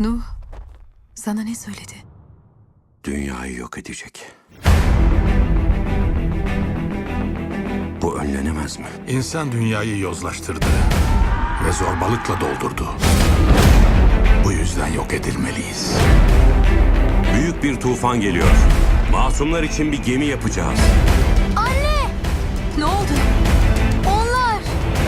Nuh, sana ne söyledi? Dünyayı yok edecek. Bu önlenemez mi? İnsan dünyayı yozlaştırdı ve zorbalıkla doldurdu. Bu yüzden yok edilmeliyiz. Büyük bir tufan geliyor. Masumlar için bir gemi yapacağız. Anne! Ne oldu? Onlar!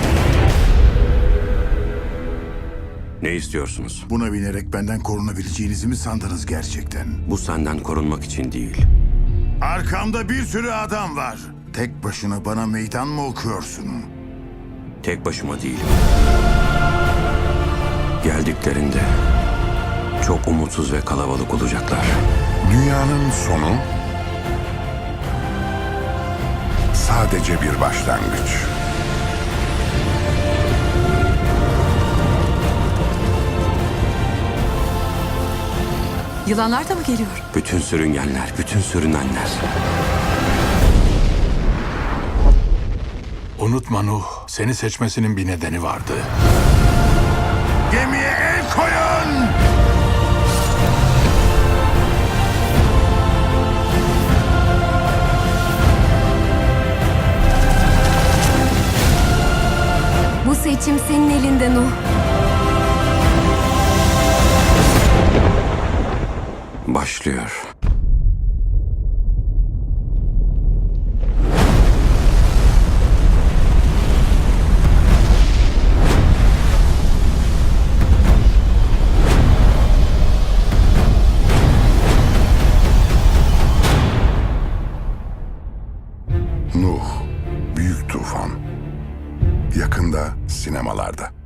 Ne istiyorsunuz? Buna binerek benden korunabileceğinizi mi sandınız gerçekten? Bu senden korunmak için değil. Arkamda bir sürü adam var. Tek başına bana meydan mı okuyorsun? Tek başıma değil. Geldiklerinde çok umutsuz ve kalabalık olacaklar. Dünyanın sonu sadece bir başlangıç. Yılanlar da mı geliyor? Bütün sürüngenler, bütün sürünenler. Unutma Nuh, seni seçmesinin bir nedeni vardı. Gemiye el koyun! Bu seçim senin elinde Nuh. Başlıyor. Nuh, Büyük Tufan. Yakında sinemalarda.